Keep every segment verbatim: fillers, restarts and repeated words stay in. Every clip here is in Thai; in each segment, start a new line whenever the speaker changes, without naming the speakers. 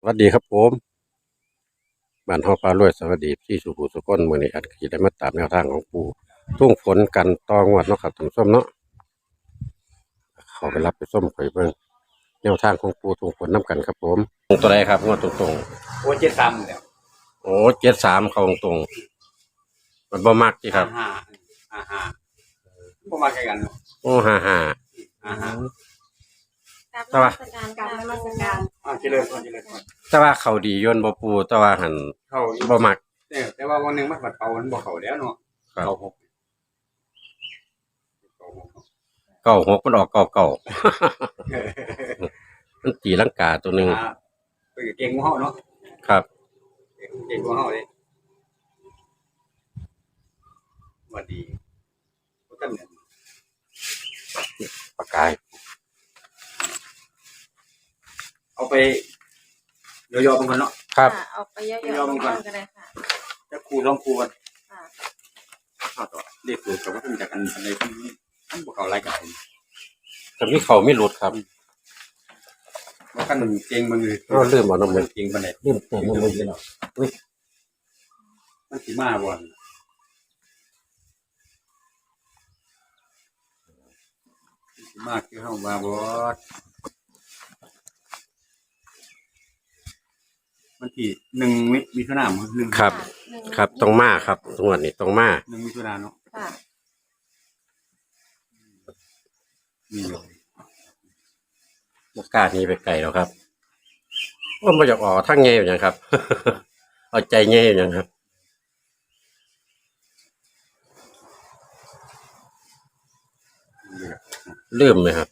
วัสดีครับผมบ้านเฮาปลารวยสวัสดีที่สุภูสุคนมื้อนี้อัดขีได้มาตามแนวทางของปู่ทุ่งฝนกันต่องวดเนาะครับท่านผู้ชมเนาะเขาไปรับไปส้มข่อยเบิ่งแนวทางของปู่ทุ่งฝนนํกันครับผมตัวใดครับงวดตรง
โอ้เจ็ดสามแล้ว
ๆโอ้เจ็ดสามเข้าตรงๆมันบ่มักติครับ
ห้าห้าห้าพวกมาแข่งกันเนาะ
โอ้ห้าห้า
ห้าห้า
แต่ว่า
การนมัสการ
อ่าเจริญพรเจริญพร
แต่ว่าเขาดีย่นบ่ปู่แต่ว่าหัน
เขา
บ่มัก
เนี่ยแต่ว่าวันหนึ่งมันปัดเป่ามันบอกเขาแล้วเนาะ
ครับ
เก่าหก
เก้าหกมันออกเก้าเก้ามันตีลังกาตัวหนึง
อ่าไปเก่งกว่าเฮาเนาะ
ครับ
เก่งกว่าเฮาเลยว่าดีก็ตั้งเนี่ย
ปากกาย
เอาไปย่อๆบางคนเนาะ
ครับ
เอาไปย่อยๆกันก็ได้ค่ะ
จะครูต้องครูกัน
ค่ะ
ข้าวต่อเรียกครูกับว่าเป็นจากกันอะไรที่ท่านบอกเขารายการ
แต่มีเขาไม่หลุดครับ
ว่ากันเก่งมันเลย
เราลืมเอาน้ำมัน
เก่งมันเลย
ลืมเติมน้ำมันเนาะเฮ้ย
มันสีมาวันสีมาคือเข้ามาบอสมันที่หนึ่งมิมิถุนายนหนึ่ง
ครับครับต้องมาครับงวดนี้ต้องมา
หนึ่งมิถุนายนเนาะ
ค่ะ
มีอยู่
บกล้านี้ไปไกลแล้วครับว่ามาจากออกทั้งเงี้ยอย่างครับ เอาใจเงี้ยอย่างครับลืมไหมครับ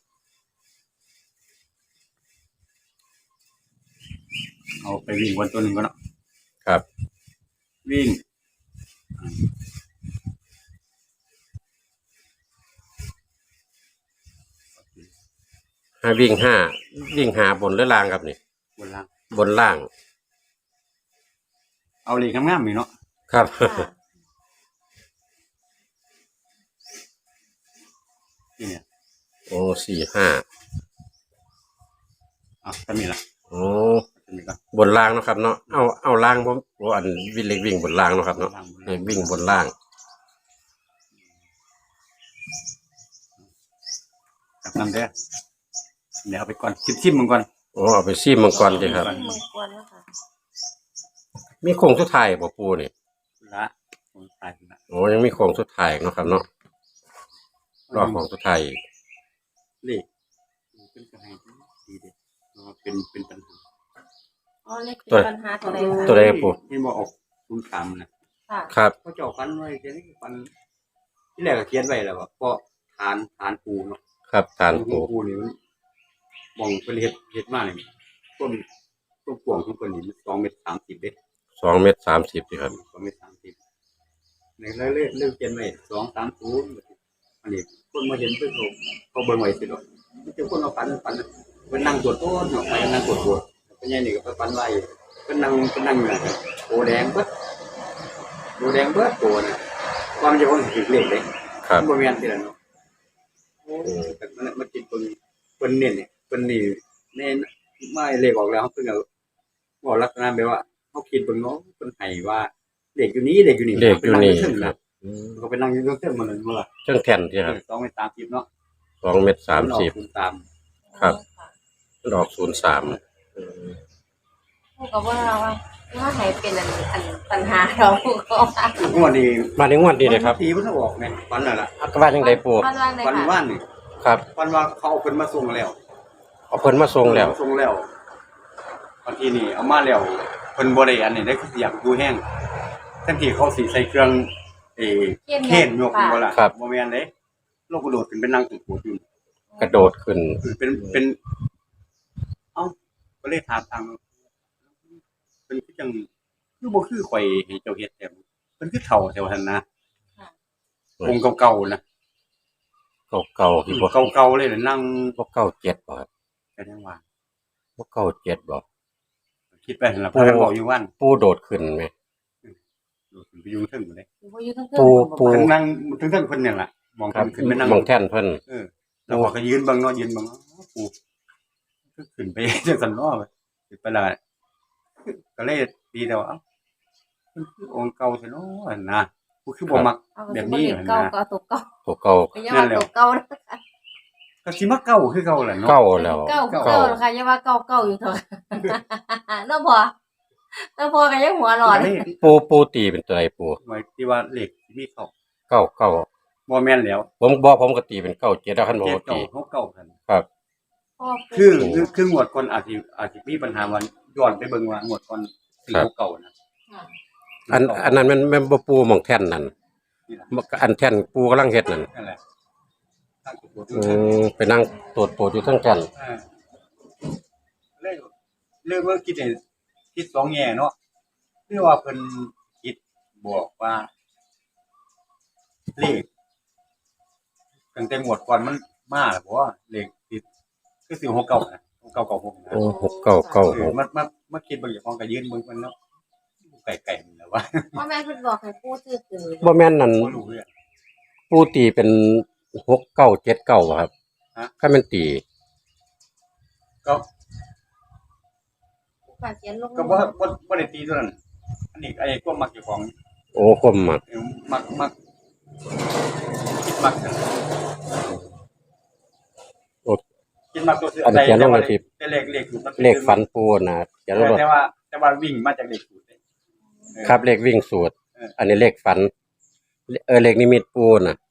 เอาไปวิ่งวันตัวหนึ่งก็เนาะ
ครับ
วิ่ง
ห้าวิ่งห้าวิ่งหาบนหรือล่างครับนี่
บนล่าง
บนล่าง
เอาเลยงามๆมีเนาะ
ครับ
นี่เนี่ย
โอ้สี่ห้า
อ่ะก็มีละ
โอ้บนล่างนะครับเนาะเอาเอาล่างผมว่าอันวิ่งเล็กวิ่งบนล่างนะครับเนาะวิ่งบนล่าง
กับน้ำเด้อเดี๋ยวเอาไปก่อนชิมชิมมันก่อน
โอ้เอาไปซีมังกรดีครับมีโค้งสุดท้ายบ่ปูนี่
ละโค้งสุดท้ายละ
โอ้ยังมีโค้งสุดท้ายเนาะครับเนาะรอบของสุดท้าย
เลขเป็นกระไรดีเด็ดเป็นเป็นปัญหา
อ๋อเลขเป็นปัญหาตัวใด
ตัวใดปู
ที่บอกออกคุณคำ
นะครับ
เขาเจาะฟันไว้เขียนฟันที่แรกก็เขียนไว้แล้วว่าเพราะฐานฐานปูเนาะ
ครับฐานปู
ปูนี่มันมองเป็นเห็ดเห็ดมากเลยต้นต้นกวางของคนนี้สองเมตรสามสิบเด็ด
สองเมตรสามสิบครับ
สองเมตรสามสิบในเรื่องเรื่องเรื่องเขียนไว้สองสามศูนย์อันนี้คนมาเห็นเพื่อนเขาเขาเบิ่งไว้สิหรอกมันจะคนเอาฟันฟันเป็นนั่งตรวจต้นไปนั่งตรวจตรวจเป็นยังไงก็ฟันไว้เป็นนั่งเป็นนั่งอยู่โอแดงเบิดโอแดงเบิดตัวนะความจะคนถือเล็กเลย
ครับ
บริเวณที่นั่นเนาะโอ้แต่มันมันกินคนคนเนี่ยเนี่ยคนนี่เนี่ยไม่เล็กออกแล้วเพิ่งเอาบอกลักษณะแบบว่าเขาคิดเบิ่งเนาะคนไห้ว่าเด็กอยู่นี้เด็กอยู่นี่
เด็กอยู่นี่
ครับเขาไปนั่งอยู่เครื่องมันเลยมั้งล่ะ
เครื่องแท่นที่ครับ
สองเมตรสามสิบเนาะ
สองเมตรสามสิบ
ตาม
ครับดอกศูนย์สาม
พูดกับว่าว่าว่าให้เป็นอันอันปัญหาเราก็
งวดนี้
มาในงวดนี้เลยครับ
ทีมันออกไงวันนั่นแหละ
อักบ้านยังไงปู
วันว่านนี่
ครับ
วันว่าเขาเอาเพิ่นมาส่งแล้ว
เอาเพิ่นมาส่งแล้ว
ส่งแล้ววันที่นี่เอามาแล้วเพิ่นบ่ได้อันนี้ได้คืออยากดูแห้งทั้งที่เขาสิใส่เครื่องเอเข็นยกบ่ล่ะบ่แม่นเด้โลกกระโดดขึ้นเป็นนั่งตึกหัวอยู่
กระโดดขึ้น
เป็นเป็นเอ้าก็เลยถามทางเป็นคือจังคือบ่คือข่อยให้เจ้าเฮ็ดแต่เพิ่นคือเฒ่าแถวหั่นนะองค์เก่าๆนะ
เก่าๆที่บ่
เก่าๆเลยนั่ง
บ่เก้าเจ็ดบ่ครับ
ก็ยังว่า
บ่เก้าเจ็ดบ่
คิดไปหั่นล่ะเพิ่นบอกอยู่วัน
ปูโดดขึ้นมั้ย
โดดขึ้นไปอยู่เทิงบ่ได้
ปูปู
นั่งถึงเทิงเพิ่นนี่ล่ะมองขึ้นไปนั่ง
มองแท่นเพิ่น
เออแล้วก็ยืนเบิ่งเนาะยืนเบิ่งปูคือขึ้นไปจังซั่นเนาะขึ้นไปแล้วก็เลยตีแต่ว่าเอ้ามันคือองค์เก่าแท้เนาะนะกูคือบ่มัก
เอา
แบบ
สิ
นี้
เห็นเก่าก็ตัวเก่า
ตัวเก่า
ก็อย่าว่าตัวเก่านะ
ก็สิมาเก่าคือเก่าแหละเนาะ
เก่าแล้ว
เก่าเก่าแล้วค่ะอย่าว่าเก่าเก่าอยู่เถอะเนาะพ่อเนาะพ่อก็ยังหัวร้อน
ก็เลย
ปูปูตีเป็นตัวไหนปู
หมายที่ว่าเลขที่มีเข้า
เก้าเก้า
บ่แม่นแล้ว
ผมบอกผมก็ตีเป็นเก้าเจ็ดแล้วคันบ่
เจ็ด
ตี
เก่าหกเก่ากัน
ครับ
พ่อ
คือคือคืองวดก่อนอาจสิอาจสิมีปัญหาว่าย้อนไปเบิ่งว่างวดก่อนสี่หกเก่านะ
อันอันนั้นมันแม่นบ่ปูหม่องแท่นนั่น
นี่ล่ะ
อันแท่นปูกำลังเฮ็ดนั่น
นั่นแหละทางตัว
อืมไปนั่งตรวจตรวจอยู่ทั้งแท่น
เออเลยเลยว่าคิดให้คิดสองแง่เนาะคือว่าเพิ่นคิดบอกว่าเลขตั้งแต่งวดก่อนมันมาแล้วบ่ว่าเลขติดคือสิหกเก่านะหกเก่าเก่าหกนะ
โอ้หกเก้าเก้า
เอ
ห
อก มามามาคิดเบิ่งอย่างของก็ยืนเบิ่งมันเนาะไก่ๆนี่แหละว่า
พ่อแม่เพิ่นบอกให้ปู่ซื้อตื่น
บ่แม่นนั่น
บ่รู้เรื่อง
ปูตีเป็นหกเก้าเจ็ดเก้าครับ
ฮะ
ถ้ามันตี
ก็
ฝากเขียนลง
ก็บ่บ่บ่ได้ตีตัวนั้นอันนี้ไอ้ความมักเจ้าของ
โอ้ความมัก
เออมักมักคิดมักกัน
โอ้
คิดมักตัวซื้อ
อันนี้เขียนลงในคลิป
แต่เลขเลขสูตรมัน
เลขฝันปูน่ะอย่า
เอ
รู้
อ
ว่า
แต่ว่าแต่ว่าวิ่งมาจากเลขสูตรเด้เออ
ครับเลขวิ่งสูตร
เออ
อันนี้เลขฝัน เออเลขนิมิตปูน่ะ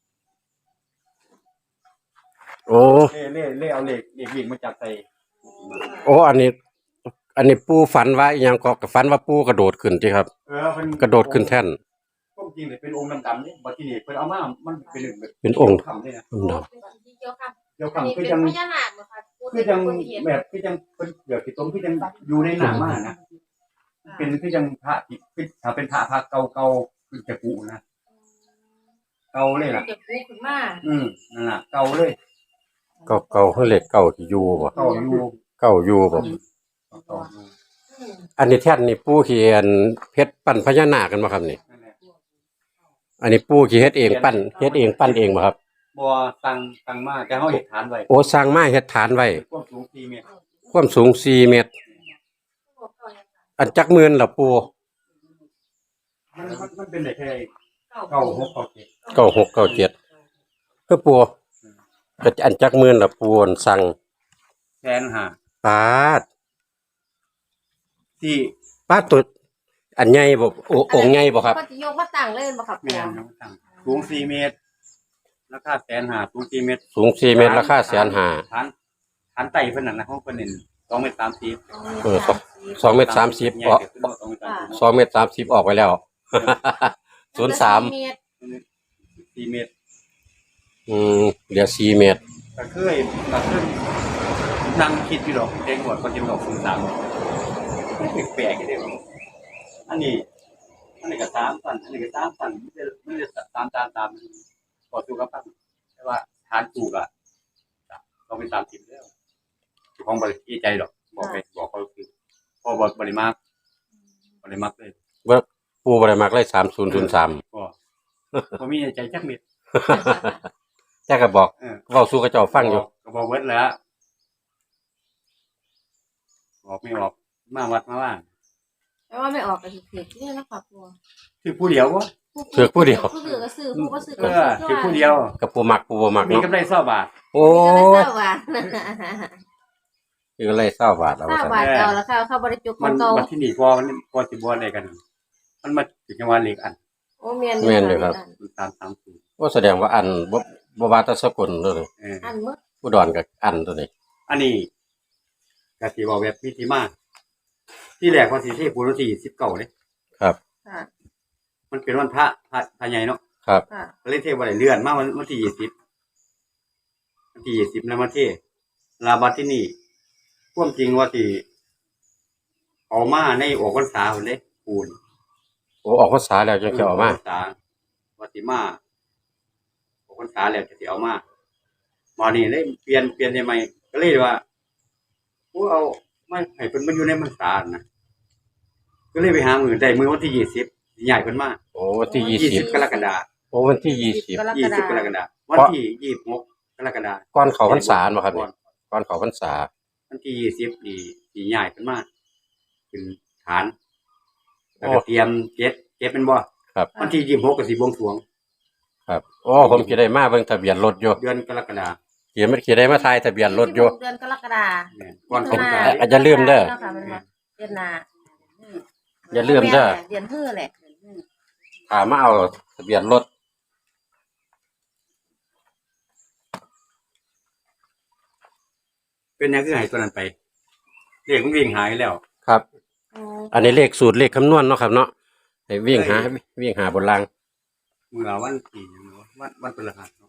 โอ้
เล่เล่เล่เอาเลขเลขวิ่งมาจากใส่
โอ้อันนี้ อันนี้ปูฝันว่าอหยังก็ฝันว่าปูกระโดดขึ้นที่ครับ
เออเพิ่น
กระโดดขึ้นแท่น
ความจริงเนี่ยเป็นองค์ดำๆนี่บัดทีนี้เพิ่นเอามามันเป็นเรื่องแบบ
เป็นองค์
คำนี่นะ
อืม
โอ้
เนาะ
เป็นสีเขียวค่ะ
เดี๋ยว
อันนี้
คำคื
เป็
อน จัง
พญานาคเหรอคะปู่
คือจัง
เป็นคนเห็น
แบบคือจังเพิ่นเดี๋ยวที่ตรงคือจังอยู่ในหน้ามานะเป็นคือจังพระที่คือถ้าเป็นพระพระเก่าๆคือจะกุนะเก่าเลยล่ะ
เก็บปู่ขึ้นมา
อืมนั่นล่ะเก่าเลย
เก่าเก่าเฮาเลขเก่าที่อยู่บ่
เก่าอยู่
เก่าอยู่บ่
เก่าอยู่
อืม
อันนี้แท่นนี่ปูเขียนเพชรปั้นพญานาคกันบ่ครับนี่
นั่นแหละ
อันนี้ปูขี้เฮ็ดเองปั้นเฮ็ดเองปั้นเองบ่ครับ
บ่ตั้งตั้งมาแต่เฮาเฮ็ดฐานไว้
โอ้สร้างมาเฮ็ดฐานไว้
ความสูงสี่เมตร
ความสูงสี่เมตร อันจักหมื่นล่ะปู
มันมันมันเป็นได้แค่
เก้า
เก้าหกเก้าเจ็ด
เก้าหกเก้าเจ็ดคือปูก็อันจักหมื่นล่ะปูอันสั่ง
แสนห้า
ปาด
ที่
ปาดตัวอันใหญ่บ่โอองค์ใหญ่บ่ครับ
ก็จะยกมาตั้งเล่นบ่ครับ
แม่นน้องตั้งสูงสี่เมตรราคาแสนห้าสูงสี่เมตร
สูงสี่เมตรราคาแสนห้า
ฐานฐานไต่เพิ่นน่ะนะเฮาเพิ่นเน้นสองเมตรสามสิบ
เออสองเมตรสามสิบ
ใหญ่
ออก
เกินสองเมตรสามสิบ
สองเมตรสามสิบออกไปแล้ว ศูนย์สาม
เมตร
สี่เมตร
อืมเหลือสี่เมตร
ก็เคยก็เคยนั่งคิดอยู่ดอกเด็กหมดคนจะบอกศูนย์สามมันแปลกๆอยู่เด้ออันนี้อันนี้ก็สามพันอันนี้ก็สามพันมันจะมันจะตามตามตามพอสู้กับพันแต่ว่าฐานถูกอ่ะต้องเป็นสามสิบแล้วของบริษัทใจดอกบอกไปบอกเขาคือพอบริบริมาคบริมาคเลย
ว่าปูบ่ได้มักเลยสามศูนย์ศูนย์สาม
ก็ก็มีใจจักเม็ด
แจ้ก็บอก
เออ
เว้าสู่กระเจ้าฟังอยู่
ก็บอกเวิร์ดแล้วบอกไม่ออกมาวัดมาว่า
แต่ว่าไม่ออกก็สิถือที่นะครอบครัว
คือผู้เดียววะ
ถือผู้เดียว
ผู้ถือก็ซื้อผู้บ่ซื้อ
เอ
ก็
อคือผู้เดียว
กับปูมักปูบ่มัก
มี
เนาะ
กำไรเศร้าบาท
โอ้
โอ้
ย
ยว่า
คืออะไรเศร้าบาทเอา
ทรา
ว่า
บ
ซั่น
ว่าเก่าแล้วค่ะเขาบ่ได้จุกข
มั
อน งเก่า
มาที่นี่พอมันพอสิบวอะไรกัน มันมาถึงจังหวัดเล็กอัน
โอ้แม่น
แม่นอยู่ครับ
มันตามสามสูตร
โอ้แสดงว่าอันบ่บ่ว่าแต่สกลเด้อ
เออ
อันหมด
อุดรก็อันตัวนี้
อันนี้กสิบอกแบบมีที่มาที่แรกวันที่ที่ปูรที่สิบเก้าเลย
ครับ
ค่ะ
มันเป็นวันพระพระพระใหญ่เนาะ
ครับ
ค่ะ
ก็เลยเทวันไหนเลื่อนมาวันวันที่ยี่สิบวันที่ยี่สิบแล้วมาเทลาบัดที่นี่ความจริงว่าที่เอามาในออกพรรษาคนเลยปูน
โอ้ออกภาษาแล้วจังสิเอามา
พรรษาวัติมาออกพรรษาแล้วจะสิเอามามานี่เลยเปลี่ยนเปลี่ยนได้ไหมก็เลยว่าผู้เอาไม่ให้เพิ่นมาอยู่ในพรรษานะก็เลยไปหามือได้มือวันที่ยี่สิบใหญ่เพิ่นมา
โอ้วันที่ยี่
ยี่
สิ
สิ
บบ
กรกฎาคม
โอ้วันที่ยี่สิบ
ยี่สิบกรกฎาคมวันที่ยี่สิบหกกรกฎาคม
ก่อนเข้าพรรษาบ่ครับนี่ก่อนเข้าพรรษา
วันที่ยี่สิบนี่สีใหญ่เพิ่นมาเป็นฐานแล้วก็เตรียมเจ็ดเจ็ดเป็นบ่
ครับ
วันที่ยี่สิบหกก็สิบวงสรวง
ครับโอ้ผมสิได้มาเบิ่งทะเบียนรถอยู่
เดือนกรกฎาคม
เขียนมันสิได้มาทายทะเบียนรถอยู่
เดือนกรกฎาคม
เนี่ยก่อนส
มิ
ง
ถุ
ก
น
รานต์
อ่ะอย่าลืมเด้อ
นาค่ะมันว่าเดือนหน้า
อย่าลืมเด้อ
เดือนฮื้อแหละ
ถามมาเอาทะเบียนรถ
เป็นหยังคือให้ตัวนั้นไปเลขมันวิ่งหายแล้ว
ครับ
อ๋อ
อันนี้เลขสูตรเลขคำนวณเนาะครับเนาะให้วิ่งหาวิ่งหาบนราง
มื้อละวันที่หยังเนาะวันวันพฤหัสเนาะ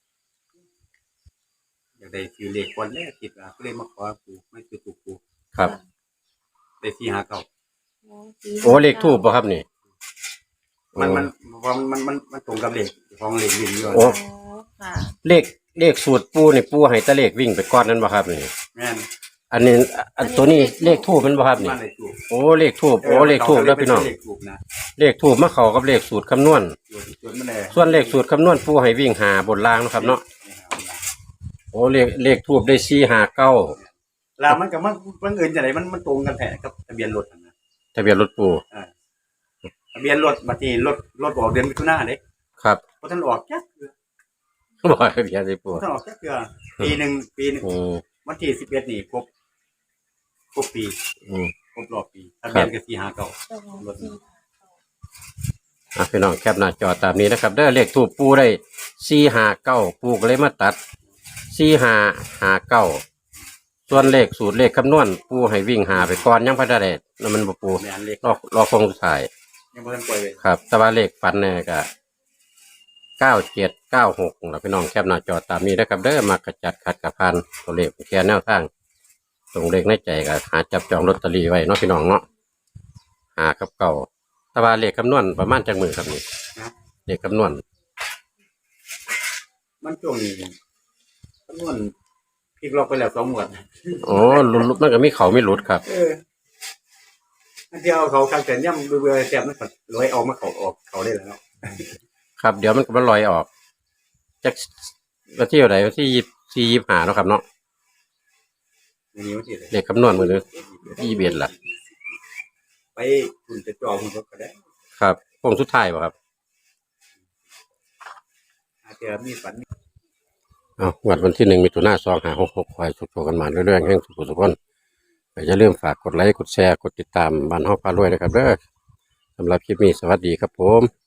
อยากได้ซื้อเลขก่อนแรกคิดว่าก็เลยมาขอปู่ไม่ซื้อถูกปู่
ครับ
ได้สี่ห้าเก้า
โอ้เลขทูบป่ะครับนี่
มันมันมันมันมันมันตรงกับเลขของเลขวิ่งอยู่
โอ้
อ๋อค่ะ
เลขเลขสูตรปูนี่ปูให้แตะเลขวิ่งไปก้อนนั้นป่ะครับนี่
แม่น
อันนี้อันตัวนี้เลขทูบมันป่ะครับนี่
มันเลยถูก
โอ้เลขทูบโอ้เลขทูบแล้วพี่น้อง
เลขถูกนะ
เลขทูบมาเข้ากับเลขสูตรคำนวณ
ส่วนส่วนมันเลย
ส่วนเลขสูตรคำนวณปูให้วิ่งหาบนรางเนาะครับเนาะโอ้เลขเลขทูบได้สี่หาเก้า
แล้วมันกับมันมันเอินจะไหนมันมันตรงกันแท้กับทะเบียนรถนั่นนะ
ทะเบียนรถปู
อ่าทะเบียนรถบัดนี้รถรถออกเดือนมิถุนายนเด้
ครับ
เพราะท่านออกจักเดือน
บอกทะเบียนสิปู
เพราะท่านออกจักเดือนปีหนึ่งปีหนึ่ง
อืม
วันที่สิบเอ็ดนี่ครบครบปี
อืม
ครบรอบปีทะเบียนก็สี่ห้าเก้า รถ
อ่ะพี่น้องแคปหน้าจอตามนี้นะครับเด้อเลขทูบปูได้สี่หาเก้าปูก็เลยมาตัดสี่หาหาเก้าส่วนเลขสูตรเลขคำนวณปูให้วิ่งหาไปก่อนยังพัฒนาเดชนั่นมันบ่ปู
แม่นเลข
รอรอคงสุดท้าย
ยังบ่ทันปล่อยเลย
ครับ แต่ว่าเลขฝันเนี่ยก็เก้าเจ็ดเก้าหกแล้วพี่น้องแคปหน้าจอตามนี้นะครับเด้อมากระจัดขัดกับพันตัวเลขแค่แนวทางตรงเลขในใจก็หาจับจองลอตเตอรี่ไว้เนาะพี่น้องเนาะหากับเก่าแต่ว่าเลขคำนวณประมาณจังมือครับนี่
นะ
เลขคำนวณ
มันช่วงนี้จำนวนพลิกล็อกไปแล้วสองหมวด
อ๋อหลุดมันก็มีเขาไม่หลุดครับ
เอออันที่เอาเขาการเกิดย่ำเบื่อๆแสบมันก็ลอยออกมาเขาออกเขาได้แล้ว
ครับเดี๋ยวมันก็มันลอยออกจากวันที่อะไรวันที่ยี่สี่ยี่ห้าเนาะครับเนาะ
ในนี้มันสิเลย
เลขคำนวณมือนึงยี่เบียดล่ะ
ไปคุณจะจอคุณก็ได้
ครับโค้งสุดท้ายป่ะครับ
อาจจะมีฝัน
เอางวดวันที่หนึ่งมิถุนายนสองห้าหกหกคอยสุขโชคกันมาเรื่อยๆแห่งสุขสุขคนอย่าลืมฝากกดไลค์กดแชร์กดติดตามบ้านห้องพารวยนะครับเด้อสำหรับคลิปนี้สวัสดีครับผม